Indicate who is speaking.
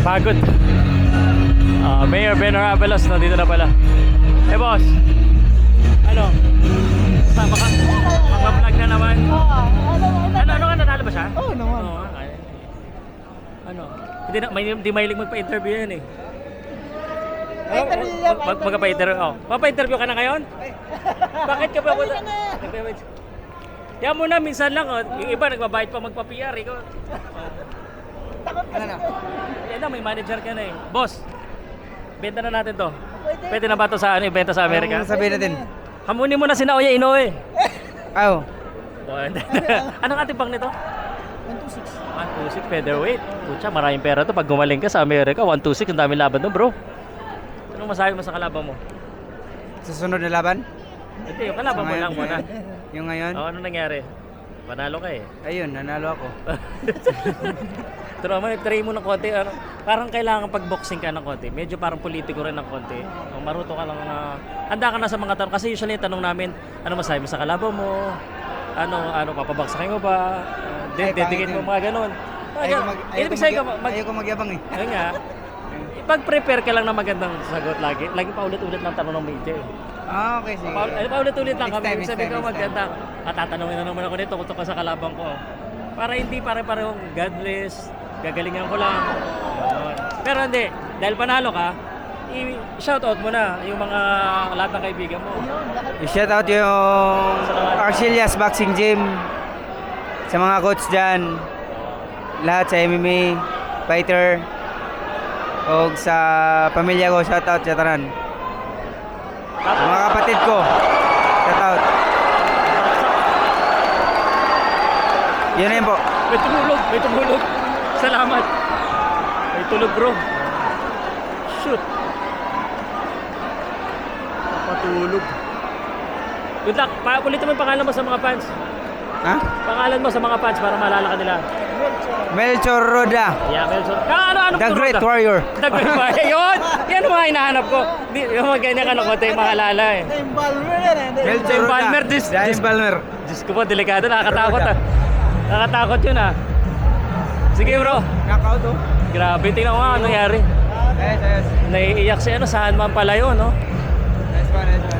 Speaker 1: Pagod. Mayor Ben Arabelos, nandito na pala. Eh boss, ano? Sama ka? Magpa-vlog na naman. Ano ka, nanalo ba siya?
Speaker 2: Oo naman.
Speaker 1: Oo, ano? Hindi mahilig magpa-interview yan eh. Magpa-interview. Papa-interview ka na ngayon? Bakit ka pa? Yan muna, minsan lang. Yung iba nagbabayad pa magpa-PR. Ikaw.
Speaker 2: Ano na?
Speaker 1: Yan na, may manager ka na eh. Boss, benta na natin to. Pwede na ba to sa ibenta sa Amerika?
Speaker 2: Anong sabihin natin?
Speaker 1: Hamunin mo na si Naoya Inoue.
Speaker 2: Aw.
Speaker 1: Anong ating pang nito?
Speaker 2: 126.
Speaker 1: 126 featherweight. Pucha, maraming pera to. Pag gumaling ka sa Amerika, 126, ang daming laban to, bro. Anong masabi mo sa kalaban mo?
Speaker 2: Susunod na laban?
Speaker 1: Hindi, yung kalaban mo lang muna.
Speaker 2: Yung ngayon?
Speaker 1: Ano nangyari? Panalo ka eh.
Speaker 2: Ayun, nanalo ako.
Speaker 1: Pero try mo ng konti. Parang kailangan pag-boxing ka ng konti. Medyo parang politiko rin ng konti. Kung maruto ka lang na... handa ka na sa mga tanong. Kasi usually tanong namin, ano masabi mo sa kalaban mo? Ano papabaksakin mo ba? Dedicate mo mga ganun.
Speaker 2: Ayoko magyabang eh.
Speaker 1: Ayun nga. Pag-prepare ka lang na magandang sagot lagi. Lagi paulit-ulit lang tanong ng media eh.
Speaker 2: Okay, sige.
Speaker 1: Paulit-ulit lang kami.
Speaker 2: Next
Speaker 1: Sabi
Speaker 2: time,
Speaker 1: ko maganda. Tatanungin na naman ako nito kung ka sa kalaban ko. Para hindi pare-parehong God bless, gagalingan ko lang. Yun. Pero hindi, dahil panalo ka, i-shoutout mo na yung mga lahat ng kaibigan mo.
Speaker 2: I-shout out yung Arcelias Boxing Gym. Sa mga coach dyan. Lahat sa MMA, fighter. O sa pamilya ko, shout out sa tanan. Mga kapatid ko, shout out. Yun na yun po.
Speaker 1: May tumulog. Salamat. May tulog bro. Shoot. Patulog. Good luck. Ulitin mo yung pangalan mo sa mga fans.
Speaker 2: Ha?
Speaker 1: Pangalan mo sa mga fans para maalala ka nila.
Speaker 2: Melchor Roda.
Speaker 1: Yeah, Melchor. Ano
Speaker 2: The Great Warrior.
Speaker 1: The Great Warrior. Yun! Yan ang mga hinahanap ko. Yung mga ganyan ka na konti, maalala eh.
Speaker 2: Melchor Roda.
Speaker 1: Balmer,
Speaker 2: James Balmer.
Speaker 1: Diyos ko po, delikado. Nakakatakot ah. Nakakatakot yun ah. Sige bro.
Speaker 2: Knockout oh.
Speaker 1: Grabe, tingnan ko nga ano nangyari.
Speaker 2: Ayos.
Speaker 1: Naiiyak si saan man pala yun, no?
Speaker 2: Nice one.